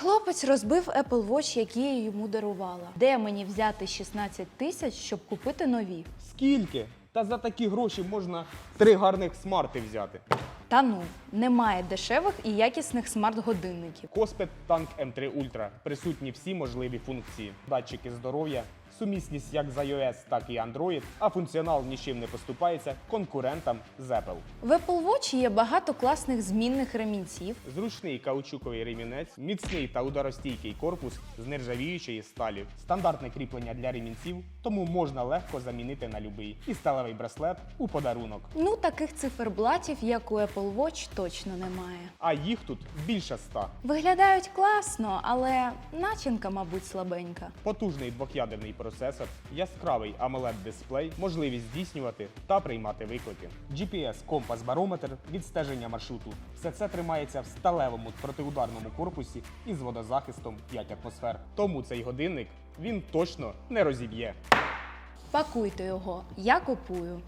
хлопець розбив Apple Watch, який я йому дарувала. Де мені взяти 16 тисяч, щоб купити нові? Скільки? Та за такі гроші можна 3 гарних смарти взяти. Та ну, немає дешевих і якісних смарт-годинників. Коспет Tank M3 Ultra. Присутні всі можливі функції. Датчики здоров'я, сумісність як з iOS, так і Android, а функціонал нічим не поступається конкурентам з Apple. В Apple Watch є багато класних змінних ремінців. Зручний каучуковий ремінець, міцний та ударостійкий корпус з нержавіючої сталі, стандартне кріплення для ремінців, тому можна легко замінити на любий. І сталевий браслет у подарунок. Ну, таких циферблатів, як у Apple Watch, точно немає. А їх тут більше 100. Виглядають класно, але начинка, мабуть, слабенька. Потужний двох'ядерний процесор, яскравий AMOLED-дисплей, можливість здійснювати та приймати виклики. GPS-компас-барометр, відстеження маршруту. Все це тримається в сталевому протиударному корпусі із водозахистом 5 атмосфер. Тому цей годинник він точно не розіб'є. Пакуйте його, я купую.